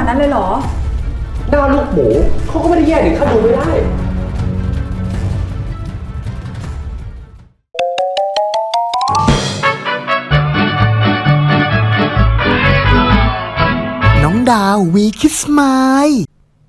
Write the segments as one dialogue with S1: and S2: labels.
S1: นาดนั้นเลยเหรอ
S2: หน้าลูกหมูเขาก็ไม่ได้แย่ถึงขั้นดูไม่ได้
S3: น้องดาววีคิสไมล์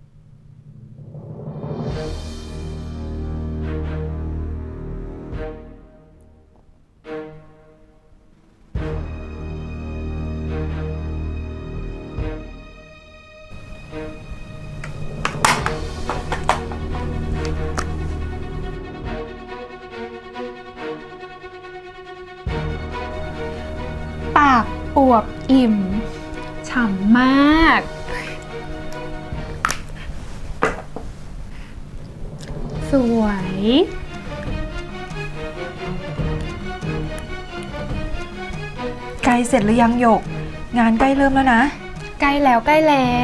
S4: ปากอวบอิ่มฉ่ำมาก สวย
S1: ใกล้เสร็จหรือยังหยก งานใกล้เริ่มแล้วนะ
S4: ใกล้แล้วใกล้แล้ว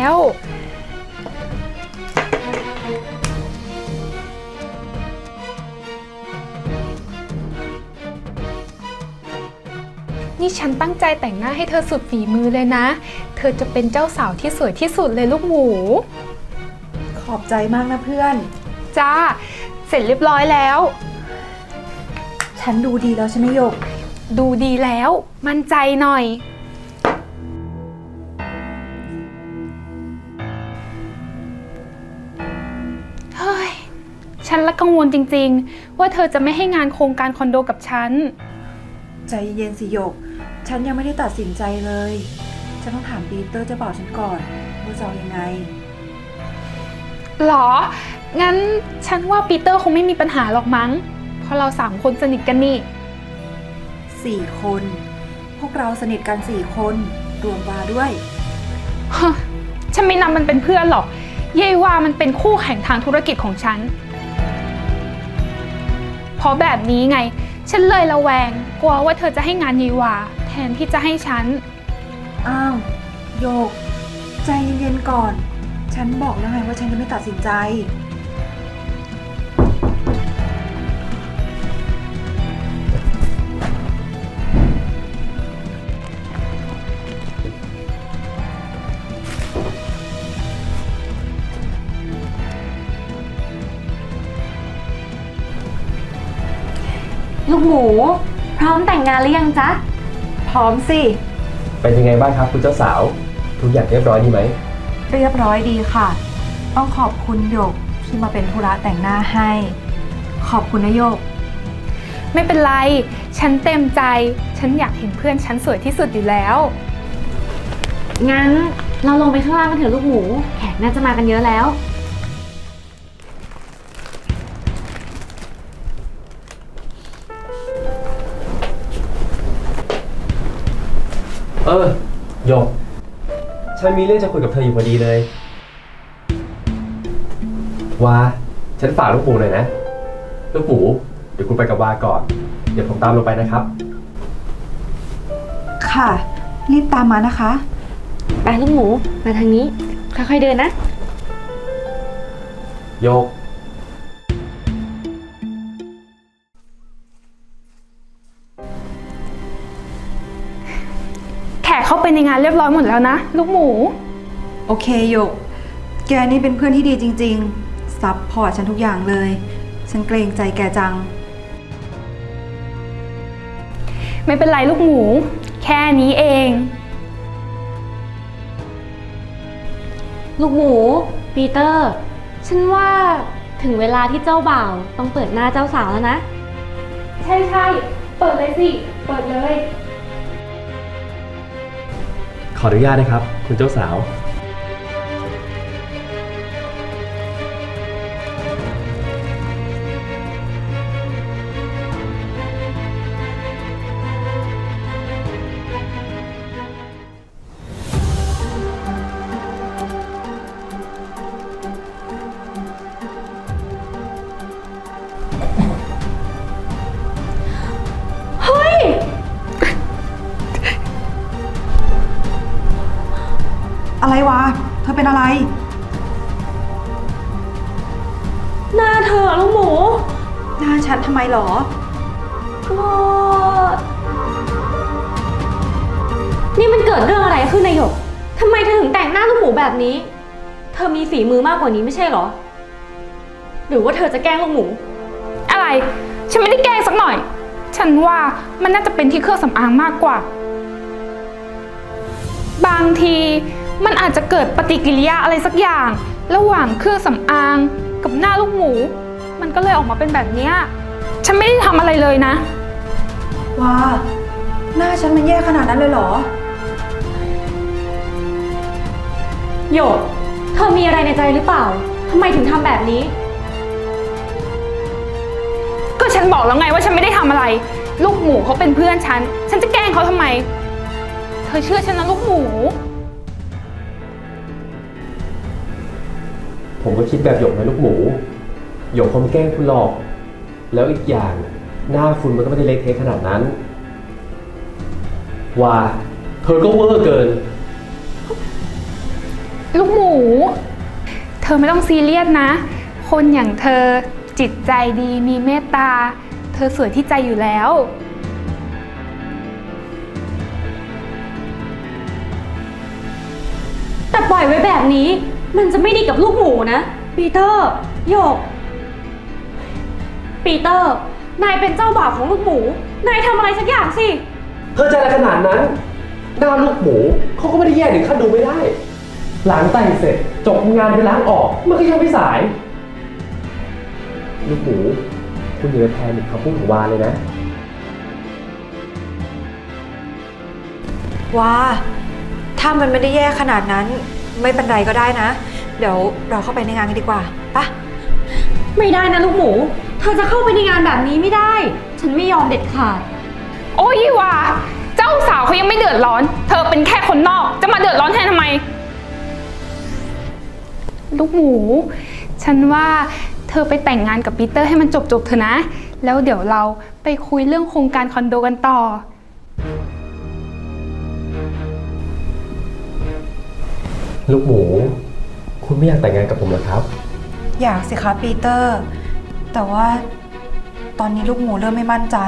S4: นี่ฉันตั้งใจแต่งหน้าให้เธอสุดฝีมือเลยนะ เธอจะเป็นเจ้าสาวที่สวยที่สุดเลยลูกหมู
S1: ขอบใจมากนะเพื่อน
S4: จ้า เสร็จเรียบร้อยแล้ว
S1: ฉันดูดีแล้วใช่ไหมหยก
S4: ดูดีแล้ว มั่นใจหน่อย เฮ้ย ฉันละกังวลจริงๆ ว่าเธอจะไม่ให้งานโครงการคอนโดกับฉัน
S1: ใจเย็นสิหยก ฉันยังไม่ได้ตัดสินใจเลย ฉันต้องถามปีเตอร์เจ้าบ่าวฉันก่อนว่าจะเอายังไง
S4: หรอ งั้นฉันว่าปีเตอร์คงไม่มีปัญหาหรอกมั้ง เพราะเรา3 คนสนิทกันนี่
S1: 4 คน พวกเราสนิทกัน4 คนรวมวาด้วย
S4: ฮะ ฉันไม่นับมันเป็นเพื่อนหรอก เย่ว่ามันเป็นคู่แข่งทางธุรกิจของฉัน เพราะแบบนี้ไง ฉันเลยระแวง กลัวว่าเธอจะให้งานเยวาแทนที่จะให้ฉัน
S1: อ้าวโยก ใจเย็นๆก่อน ฉันบอกแล้วไงว่าฉันยังไม่ตัดสินใจ
S5: ลูกหมูพร้อมแต่งงานหรือยังจ๊ะ
S1: พร้อมสิ
S2: เป็นยังไงบ้างครับคุณเจ้าสาว ทุกอย่างเรียบร้อยดีไหม
S1: เรียบร้อยดีค่ะ ต้องขอบคุณหยกที่มาเป็นธุระแต่งหน้าให้ ขอบคุณนะหยก
S4: ไม่เป็นไร ฉันเต็มใจ ฉันอยากเห็นเพื่อนฉันสวยที่สุดอยู่แล้ว
S5: งั้นเราลงไปข้างล่างกันเถอะลูกหมู แขกน่าจะมากันเยอะแล้ว
S2: โยก ฉันมีเรื่องจะคุยกับเธออยู่พอดีเลย วา ฉันฝากลูกหมูหน่อยนะ ลูกหมู เดี๋ยวคุณไปกับวาก่อน เดี๋ยวผมตามลงไปนะครับ
S1: ค่ะ รีบตามมานะคะ
S5: ไปลูกหมู มาทางนี้ ค่อยๆเดินนะ
S2: โยก
S4: แขกเข้าไปในงานเรียบร้อยหมดแล้วนะ ลูกหมู
S1: โอเคหยก แกนี่เป็นเพื่อนที่ดีจริงๆ ซัพพอร์ตฉันทุกอย่างเลย ฉันเกรงใจแกจัง
S4: ไม่เป็นไรลูกหมู แค่นี้เอง
S5: ลูกหมู ปีเตอร์ ฉันว่าถึงเวลาที่เจ้าบ่าวต้องเปิดหน้าเจ้าสาวแล้วนะ
S4: ใช่ๆ เปิดเลยสิ เปิดเลย
S2: ขออนุญาตนะครับ คุณเจ้าสาว
S1: อะไรวะ เธอเป็นอะไร
S5: หน้าเธอลูกหมู
S1: หน้าฉันทำไมหรอ
S5: ก็นี่มันเกิดเรื่องอะไรขึ้นนายหยกทำไมเธอถึงแต่งหน้าลูกหมูแบบนี้ เธอมีฝีมือมากกว่านี้ไม่ใช่เหรอ หรือว่าเธอจะแกล้งลูกหมู
S4: อะไร ฉันไม่ได้แกล้งสักหน่อย ฉันว่ามันน่าจะเป็นที่เครื่องสำอางมากกว่า บางทีมันอาจจะเกิดปฏิกิริยาอะไรสักอย่าง ระหว่างเครื่องสำอางกับหน้าลูกหมู มันก็เลยออกมาเป็นแบบเนี้ยฉันไม่ได้ทำอะไรเลยนะ
S1: ว้า หน้าฉันมันแย่ขนาดนั้นเลยเหรอ
S5: โยก เธอมีอะไรในใจหรือเปล่า ทำไมถึงทำแบบนี้
S4: ก็ฉันบอกแล้วไงว่าฉันไม่ได้ทำอะไร ลูกหมูเขาเป็นเพื่อนฉัน ฉันจะแกล้งเขาทำไม เธอเชื่อฉันนะลูกหมู
S2: ผมก็คิดแบบหยกนะลูกหมู หยกคงไม่แกล้งคุณหรอก แล้วอีกอย่างหน้าคุณมันก็ไม่ได้เละเทะขนาดนั้น ว่าเธอก็เวอร์เกิน
S4: ลูกหมู เธอไม่ต้องซีเรียสนะ คนอย่างเธอจิตใจดีมีเมตตา เธอสวยที่ใจอยู่แล้ว
S5: แต่ปล่อยไว้แบบนี้ มันจะไม่ดีกับลูกหมูนะ ปีเตอร์ โยก ปีเตอร์ นายเป็นเจ้าบ่าวของลูกหมู นายทำอะไรสักอย่างสิ
S2: เธอจะอะไรขนาดนั้น หน้าลูกหมูเขาก็ไม่ได้แย่ถึงขั้นดูไม่ได้ ล้างแต่งเสร็จจบงานไปล้างออกมันก็ยังไม่สาย ลูกหมูคุณอย่าไปแพนิคคำพูดของวาเลยนะ
S1: ว้า ถ้ามันไม่ได้แย่ขนาดนั้น ไม่เป็นไรก็ได้นะ เดี๋ยวเราเข้าไปในงานกันดีกว่าปะ
S5: ไม่ได้นะลูกหมู เธอจะเข้าไปในงานแบบนี้ไม่ได้ ฉันไม่ยอมเด็ดขาด
S4: โอ้ยว่าเจ้าสาวเขายังไม่เดือดร้อน เธอเป็นแค่คนนอก จะมาเดือดร้อนแทนทำไม ลูกหมู ฉันว่าเธอไปแต่งงานกับปีเตอร์ให้มันจบเถอะนะ แล้วเดี๋ยวเราไปคุยเรื่องโครงการคอนโดกันต่อ
S2: ลูกหมู คุณไม่อยากแต่งงานกับผมเหรอครับ
S1: อยากสิคะปีเตอร์ แต่ว่าตอนนี้ลูกหมูเริ่มไม่มั่นใจ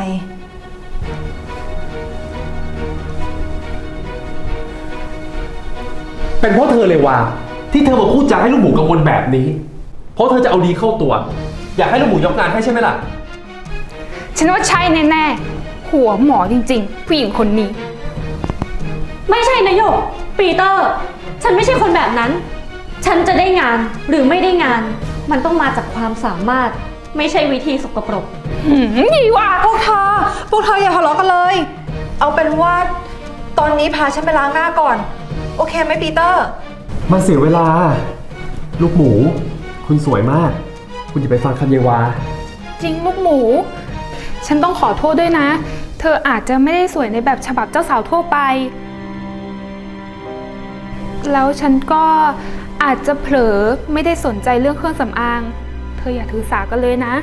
S2: เป็นเพราะเธอเลยว่าที่เธอมาพูดจาให้ลูกหมูกังวลแบบนี้ เพราะเธอจะเอาดีเข้าตัว อยากให้ลูกหมูยกงานให้ใช่ไหมล่ะ
S4: ฉันว่าใช่แน่ๆ หัวหมอจริงๆ ผู้หญิงคนนี้
S5: ไม่ใช่นะโยก ปีเตอร์ ฉันไม่ใช่คนแบบนั้น ฉันจะได้งานหรือไม่ได้งาน มันต้องมาจากความสามารถ ไม่ใช่วิธีสกปรก
S4: ยี่ว่า
S1: พวกเธออย่าทะเลาะกันเลย เอาเป็นว่าตอนนี้พาฉันไปล้างหน้าก่อน โอเคไหมปีเตอร์
S2: มันเสียเวลา ลูกหมู คุณสวยมาก คุณอย่าไปฟังคำเยวา
S4: จริงลูกหมู ฉันต้องขอโทษด้วยนะ เธออาจจะไม่ได้สวยในแบบฉบับเจ้าสาวทั่วไป แล้วฉันก็อาจจะเผลอไม่ได้สนใจเรื่องเครื่องสำอาง เธออย่าถือสากันเลยนะ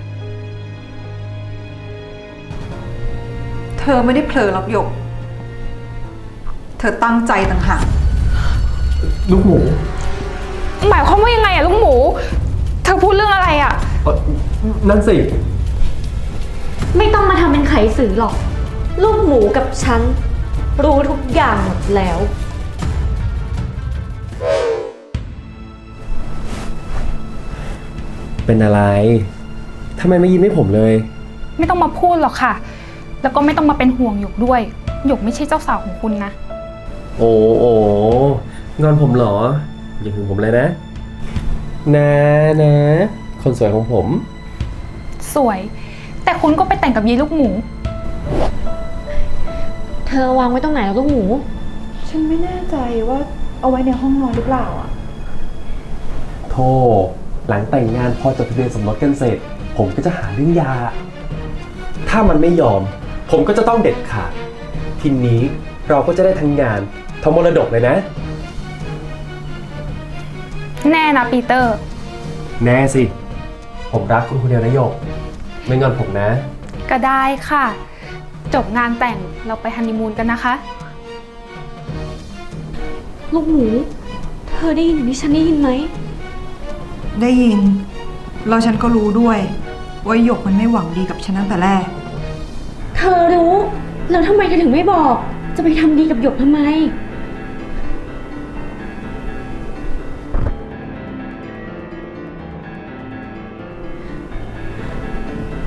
S1: เธอไม่ได้เผลอหรอกหยก เธอตั้งใจต่างหาก
S2: ลูกหมู
S4: หมายความว่ายังไงอะลูกหมู เธอพูดเรื่องอะไรอะ
S2: นั่นสิ
S5: ไม่ต้องมาทำเป็นไขสื่อหรอก ลูกหมูกับฉัน รู้ทุกอย่างหมดแล้ว
S2: เป็นอะไร ทำไมไม่ยิ้มให้ผมเลย
S4: ไม่ต้องมาพูดหรอกค่ะ แล้วก็ไม่ต้องมาเป็นห่วงหยกด้วย หยกไม่ใช่เจ้าสาวของคุณนะ
S2: โอ้งอนผมเหรอ อย่าหึงผมเลยนะ นะ คนสวยของผม
S4: สวย แต่คุณก็ไปแต่งกับยีลูกหมู
S5: เธอวางไว้ตรงไหนแล้วลูกหมู
S1: ฉันไม่แน่ใจว่าเอาไว้ในห้องนอนหรือเปล่าอ่ะ
S2: โธ่หลังแต่งงานพอจดทะเบียนสมรสกันเสร็จ ผมก็จะหาเรื่องหย่าถ้ามันไม่ยอม ผมก็จะต้องเด็ดขาด ทีนี้เราก็จะได้ทั้งงานทั้งมรดกเลยนะ
S4: แน่นะปีเตอร์
S2: แน่สิ ผมรักคุณคนเดียวนะโยก ไม่งอนผมนะ
S4: ก็ได้ค่ะ จบงานแต่งเราไปฮันนีมูนกันนะคะ
S5: ลูกหมู เธอได้ยินอย่างที่ฉันได้ยินไหม
S1: ได้ยิน แล้วฉันก็รู้ด้วยว่าหยกมันไม่หวังดีกับฉันตั้งแต่แรก
S5: เธอรู้ แล้วทำไมเธอถึงไม่บอก จะไปทำดีกับหยกทำไม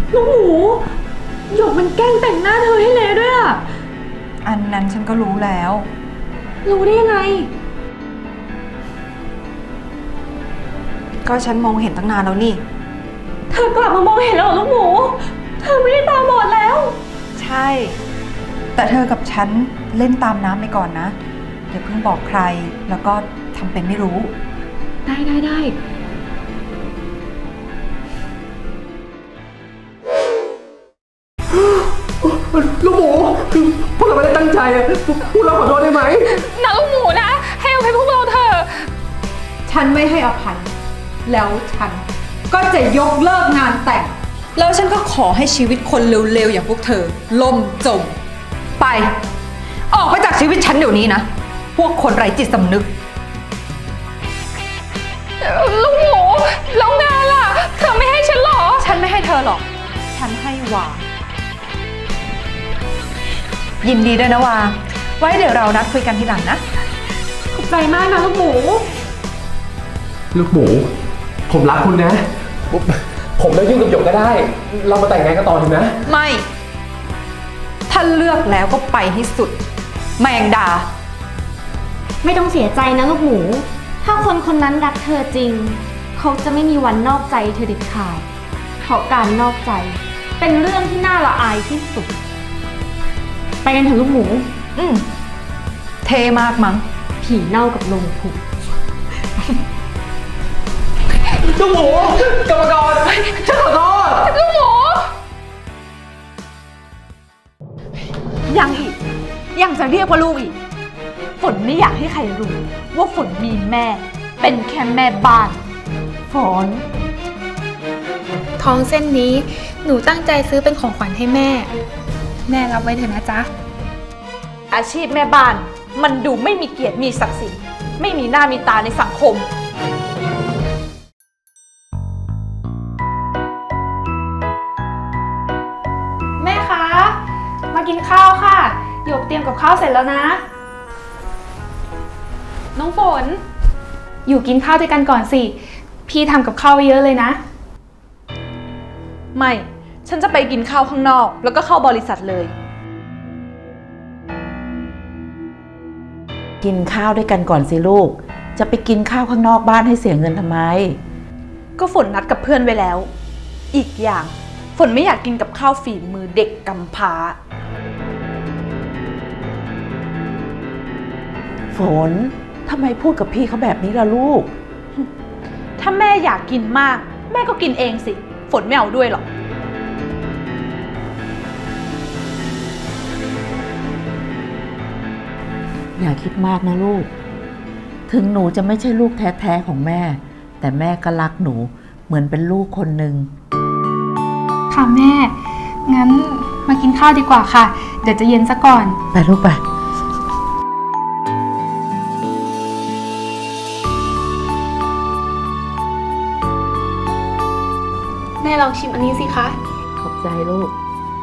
S5: ลูกหมูหยกมันแกล้งแต่งหน้าเธอให้เละด้วยอะ
S1: อันนั้นฉันก็รู้แล้ว
S5: รู้ได้ยังไง
S1: ก็ฉันมองเห็นตั้งนานแล้วนี่
S5: เธอกลับมามองเห็นแล้วเหรอลูกหมู เธอไม่ได้ตาบอดแล้ว
S1: ใช่ แต่เธอกับฉันเล่นตามน้ำไปก่อนนะอย่าเพิ่งบอกใคร แล้วก็ทำเป็นไม่รู้
S5: ได้
S2: ลูกหมูคือพวกเราไม่ได้ตั้งใจอะพวกเราขอโทษได้ไหม
S4: นะลูกหมูนะ ให้อภัยพวกเราเถอะ
S1: ฉันไม่ให้อภัย แล้วฉันก็จะยกเลิกงานแต่ง แล้วฉันก็ขอให้ชีวิตคนเร็วๆอย่างพวกเธอล่มจม ไป ออกไปจากชีวิตฉันเดี๋ยวนี้นะ พวกคนไร้จิตสำนึก
S4: ลูกหมูแล้วงานล่ะ เธอไม่ให้ฉันหรอ
S1: ฉันไม่ให้เธอหรอก ฉันให้วา ยินดีด้วยนะวา ไว้เดี๋ยวเรานัดคุยกันทีหลังนะ
S5: ขอบใจมากนะลูกหมู
S2: ลูกหมู ผมรักคุณนะ ผมเลิกยุ่งกับหยกก็ได้ เรามาแต่งงานกันต่อเถอะนะ
S1: ไม่ ถ้าเลือกแล้วก็ไปให้สุด แมงดา
S5: ไม่ต้องเสียใจนะลูกหมู ถ้าคนคนนั้นรักเธอจริง เขาจะไม่มีวันนอกใจเธอเด็ดขาด เพราะการนอกใจเป็นเรื่องที่น่าละอายที่สุด ไปกันเถอะลูกหมู
S1: เทมากมั้ง
S5: ผีเน่ากับลงผุ
S2: ลูกหมูกรรมกรฉันขอโทษ
S4: ลูกหมู
S6: ยังอีก ยังจะเรียกว่าลูกอีก ฝนไม่อยากให้ใครรู้ว่าฝนมีแม่ เป็นแค่แม่บ้าน ฝน
S4: ทองเส้นนี้หนูตั้งใจซื้อเป็นของขวัญให้แม่ แม่รับไว้เถอะนะจ๊ะ
S6: อาชีพแม่บ้านมันดูไม่มีเกียรติมีศักดิ์ศรีไม่มีหน้ามีตาในสังคม
S4: แม่คะ มากินข้าวค่ะหยกเตรียมกับข้าวเสร็จแล้วนะ น้องฝน อยู่กินข้าวด้วยกันก่อนสิ พี่ทำกับข้าวไว้เยอะเลยนะ
S6: ไม่ ฉันจะไปกินข้าวข้างนอก แล้วก็เข้าบริษัทเลย
S7: กินข้าวด้วยกันก่อนสิลูก จะไปกินข้าวข้างนอกบ้านให้เสียเงินทำไม
S6: ก็ฝนนัดกับเพื่อนไว้แล้ว อีกอย่าง ฝนไม่อยากกินกับข้าวฝีมือเด็กกำพร้า
S7: ฝนทำไมพูดกับพี่เขาแบบนี้ล่ะลูก
S6: ถ้าแม่อยากกินมาก แม่ก็กินเองสิ ฝนไม่เอาด้วยหรอก
S7: อย่าคิดมากนะลูก ถึงหนูจะไม่ใช่ลูกแท้ๆของแม่ แต่แม่ก็รักหนูเหมือนเป็นลูกคนหนึ่ง
S4: ค่ะแม่ งั้นมากินข้าวดีกว่าค่ะ เดี๋ยวจะเย็นซะก่อน
S7: ไปลูกไป
S4: แม่ลองชิมอันนี้สิคะ
S7: ขอบใจลูก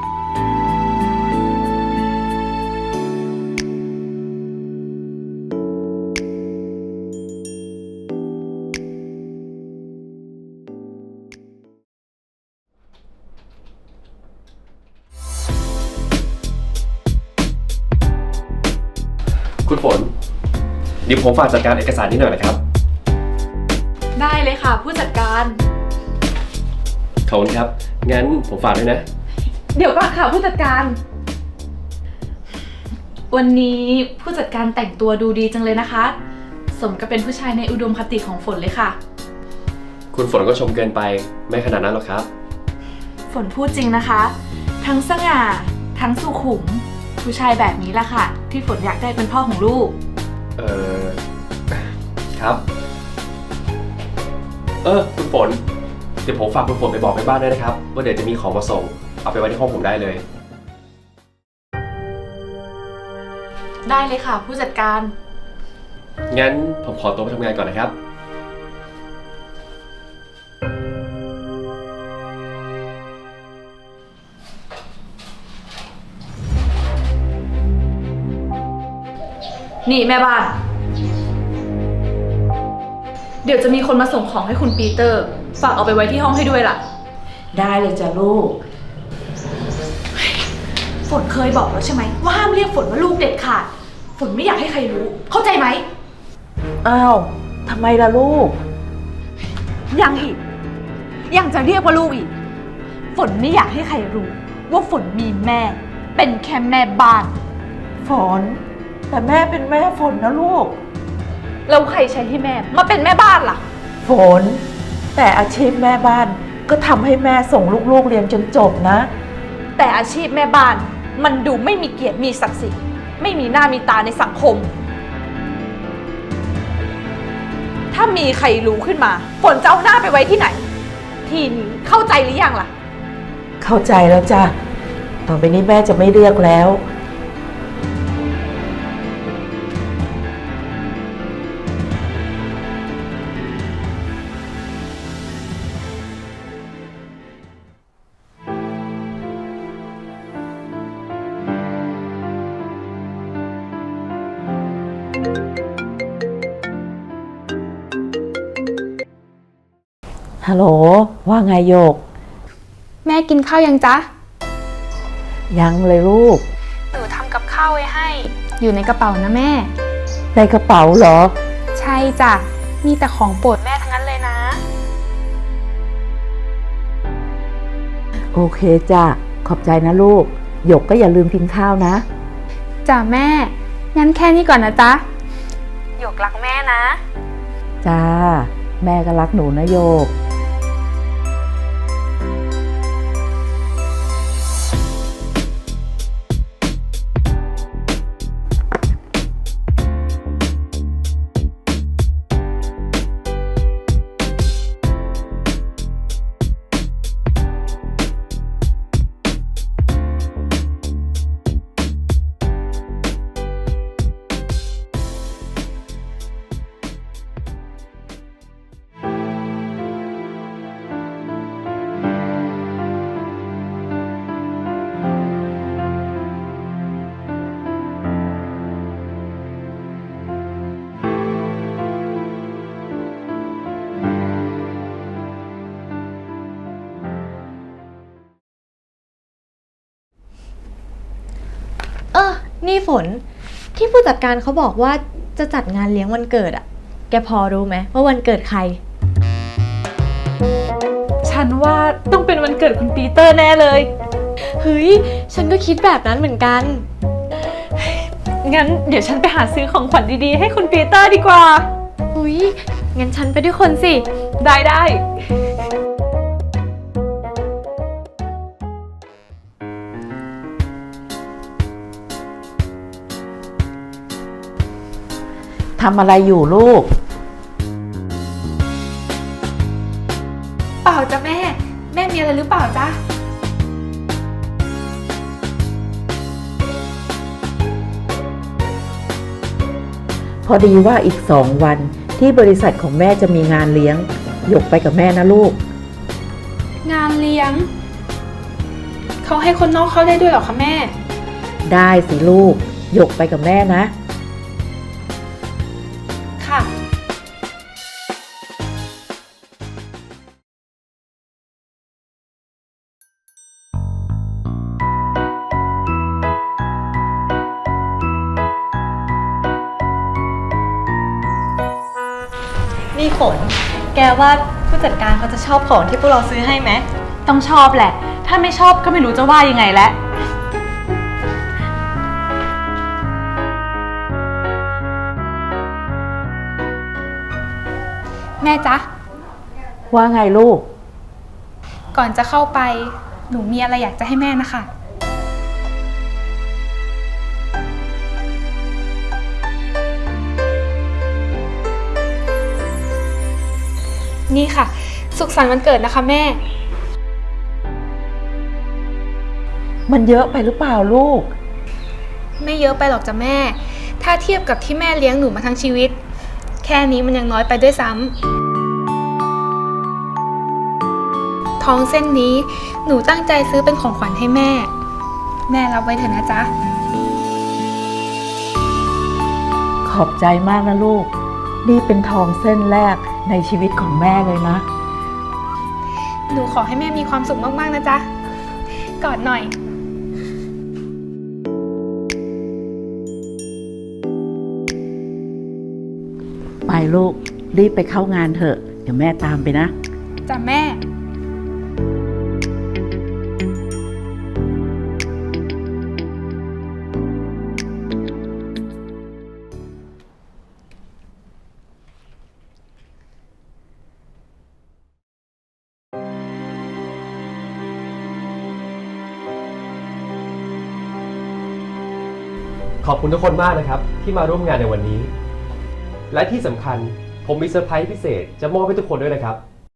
S2: คุณฝนเดี๋ยวผมฝากจัดการเอกสารนี้หน่อยนะครับ
S6: ได้เลยค่ะ ผู้จัดการ
S2: ขอบคุณครับ งั้นผมฝากด้วยนะ
S6: เดี๋ยวก่อนค่ะผู้จัดการ วันนี้ผู้จัดการแต่งตัวดูดีจังเลยนะคะ สมกับเป็นผู้ชายในอุดมคติของฝนเลยค่ะ
S2: คุณฝนก็ชมเกินไป ไม่ขนาดนั้นหรอกครับ
S6: ฝนพูดจริงนะคะ ทั้งสง่า ทั้งสุขุม ผู้ชายแบบนี้แหละค่ะ ที่ฝนอยากได้เป็นพ่อของลูก
S2: ครับ คุณฝน เดี๋ยวผมฝากคุณฝนไปบอกแม่บ้านด้วยนะครับ ว่าเดี๋ยวจะมีของมาส่ง เอาไปไว้ที่ห้องผมได้เลย
S6: ได้เลยค่ะ ผู้จัดการ
S2: งั้นผมขอตัวไปทำงานก่อนนะครับ
S6: นี่แม่บ้าน เดี๋ยวจะมีคนมาส่งของให้คุณปีเตอร์ ฝากเอาไปไว้ที่ห้องให้ด้วยล่ะ
S7: ได้เลยจ้ะลูก
S6: ฝนเคยบอกแล้วใช่ไหมว่าห้ามเรียกฝนว่าลูกเด็ดขาด ฝนไม่อยากให้ใครรู้ เข้าใจไหม
S7: อ้าวทำไมล่ะลูก
S6: ยังอีก ยังจะเรียกว่าลูกอีก ฝนไม่อยากให้ใครรู้ ว่าฝนมีแม่ เป็นแค่แม่บ้าน
S7: ฝน แต่แม่เป็นแม่ฝนนะลูก
S6: แล้วใครใช้ให้แม่มาเป็นแม่บ้านล่ะ
S7: ฝน แต่อาชีพแม่บ้านก็ทำให้แม่ส่งลูกๆเรียนจนจบนะ
S6: แต่อาชีพแม่บ้านมันดูไม่มีเกียรติมีศักดิ์ศรีไม่มีหน้ามีตาในสังคม ถ้ามีใครรู้ขึ้นมา ฝนจะเอาหน้าไปไว้ที่ไหน ทีนี้เข้าใจหรือยังล่ะ
S7: เข้าใจแล้วจ้ะ ต่อไปนี้แม่จะไม่เรียกแล้ว ฮัลโหล ว่าไงโยก
S4: แม่กินข้าวยังจ๊ะ
S7: ยังเลยลูก
S4: หนูทำกับข้าวไว้ให้ อยู่ในกระเป๋านะแม่
S7: ในกระเป๋าเหรอ
S4: ใช่จ้ะ มีแต่ของโปรดแม่ทั้งนั้นเลยนะ
S7: โอเคจ้ะ ขอบใจนะลูก หยกก็อย่าลืมกินข้าวนะ
S4: จ้ะแม่ งั้นแค่นี้ก่อนนะจ๊ะ หยกรักแม่นะ
S7: จ้า แม่ก็รักหนูนะโยก
S5: นี่ฝนที่ผู้จัดการเขาบอกว่าจะจัดงานเลี้ยงวันเกิดอะแกพอรู้ไหมว่าวันเกิดใคร
S6: ฉันว่าต้องเป็นวันเกิดคุณปีเตอร์แน่เลย
S5: เฮ้ย ฉันก็คิดแบบนั้นเหมือนกัน
S6: งั้นเดี๋ยวฉันไปหาซื้อของขวัญดีๆให้คุณปีเตอร์ดีกว่า
S5: อุ้ยงั้นฉันไปด้วยคนสิ
S6: ได้
S7: ทำอะไรอยู่ลูก
S4: เปล่าจ้ะแม่ แม่มีอะไรหรือเปล่าจ๊ะ
S7: พอดีว่าอีก2 วันที่บริษัทของแม่จะมีงานเลี้ยง หยกไปกับแม่นะลูก
S4: งานเลี้ยง เขาให้คนนอกเข้าได้ด้วยเหรอคะแม่
S7: ได้สิลูก หยกไปกับแม่นะ
S4: ค่ะ
S5: นี่ฝน แกว่าผู้จัดการเขาจะชอบของที่พวกเราซื้อให้ไหม
S6: ต้องชอบแหละ ถ้าไม่ชอบก็ไม่รู้จะว่ายังไงแล้ว
S4: แม่จ๊ะ
S7: ว่าไงลูก
S4: ก่อนจะเข้าไป หนูมีอะไรอยากจะให้แม่นะคะ นี่ค่ะ สุขสันต์วันเกิดนะคะแม่
S7: มันเยอะไปหรือเปล่าลูก
S4: ไม่เยอะไปหรอกจ้ะแม่ ถ้าเทียบกับที่แม่เลี้ยงหนูมาทั้งชีวิต แค่นี้มันยังน้อยไปด้วยซ้ำทองเส้นนี้หนูตั้งใจซื้อเป็นของขวัญให้แม่ แม่รับไว้เถอะนะจ๊ะ
S7: ขอบใจมากนะลูก นี่เป็นทองเส้นแรกในชีวิตของแม่เลยนะ
S4: หนูขอให้แม่มีความสุขมากๆนะจ๊ะ กอดหน่อย
S7: ลูก รีบไปเข้างานเถอะ เดี๋ยวแม่ตามไปนะ
S4: จ้ะแม่
S2: ขอบคุณทุกคนมากนะครับ ที่มาร่วมงานในวันนี้ และที่สำคัญผมมีเซอร์ไพรส์พิเศษจะมอบให้ทุกคนด้วยนะครับ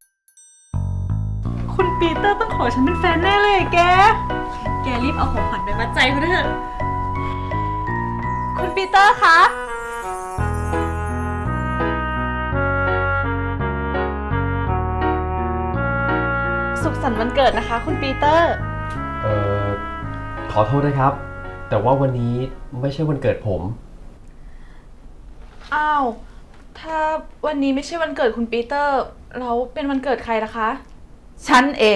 S1: คุณปีเตอร์ต้องขอฉันเป็นแฟนแน่เลยแก แกรีบเอาของขวัญไปมัดใจเขาเถอะ คุณปีเตอร์คะ
S6: สุขสันต์วันเกิดนะคะ คุณปีเตอร์
S2: ขอโทษนะครับ แต่ว่าวันนี้ไม่ใช่วันเกิดผม
S6: อ้าว ถ้าวันนี้ไม่ใช่วันเกิดคุณปีเตอร์แล้วเป็นวันเกิดใครล่ะคะ
S7: ฉันเอง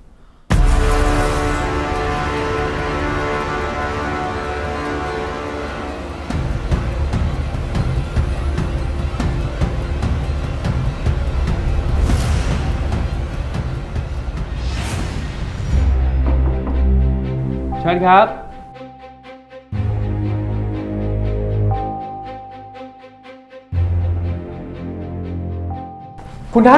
S2: เชิญครับ คุณท่าน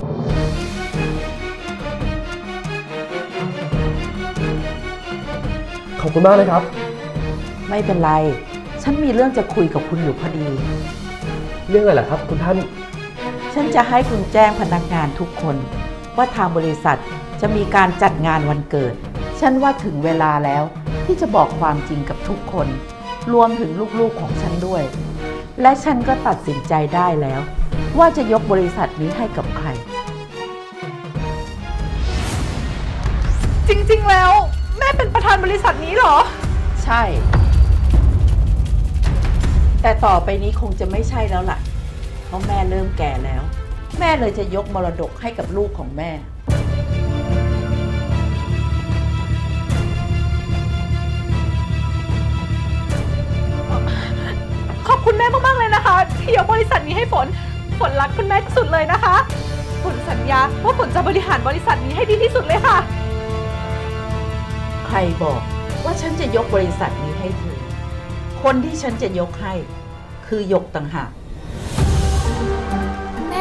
S2: ขอบคุณมากเลยครับ
S7: ไม่เป็นไร ฉันมีเรื่องจะคุยกับคุณอยู่พอดี
S2: เรื่องอะไรล่ะครับ คุณท่าน
S7: ฉันจะให้คุณแจ้งพนักงานทุกคน ว่าทางบริษัทจะมีการจัดงานวันเกิด ฉันว่าถึงเวลาแล้วที่จะบอกความจริงกับทุกคน รวมถึงลูกๆของฉันด้วย และฉันก็ตัดสินใจได้แล้ว ว่าจะยกบริษัทนี้ให้กับใคร
S6: จริงๆ แล้วแม่เป็นประธานบริษัทนี้เหรอ
S7: ใช่ แต่ต่อไปนี้คงจะไม่ใช่แล้วล่ะ เพราะแม่เริ่มแก่แล้ว แม่เลยจะยกมรดกให้กับลูกของแม่
S6: ขอบคุณแม่มากๆเลยนะคะ ที่ยกบริษัทนี้ให้ฝน ฝนรักคุณแม่ที่สุดเลยนะคะ ฝนสัญญาว่าฝนจะบริหารบริษัทนี้ให้ดีที่สุดเลยค่ะ
S7: ใครบอกว่าฉันจะยกบริษัทนี้ให้เธอ คนที่ฉันจะยกให้ คือหยกต่างหาก
S4: แม่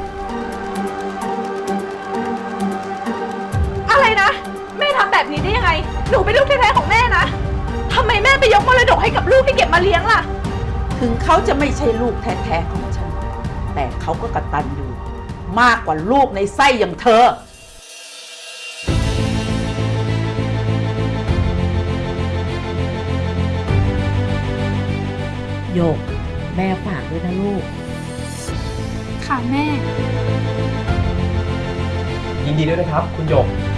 S6: อะไรนะ แม่ทำแบบนี้ได้ยังไง หนูเป็นลูกแท้ๆของแม่นะทำไมแม่ไปยกมรดกให้กับลูกที่เก็บมาเลี้ยงล่ะ
S7: ถึงเขาจะไม่ใช่ลูกแท้ๆของฉัน แต่เขาก็กตัญญูมากกว่าลูกในไส้อย่างเธอ โยก แม่ฝากด้วยนะลูก
S4: ค่ะแม่
S2: ยินดีด้วยนะครับ คุณหยก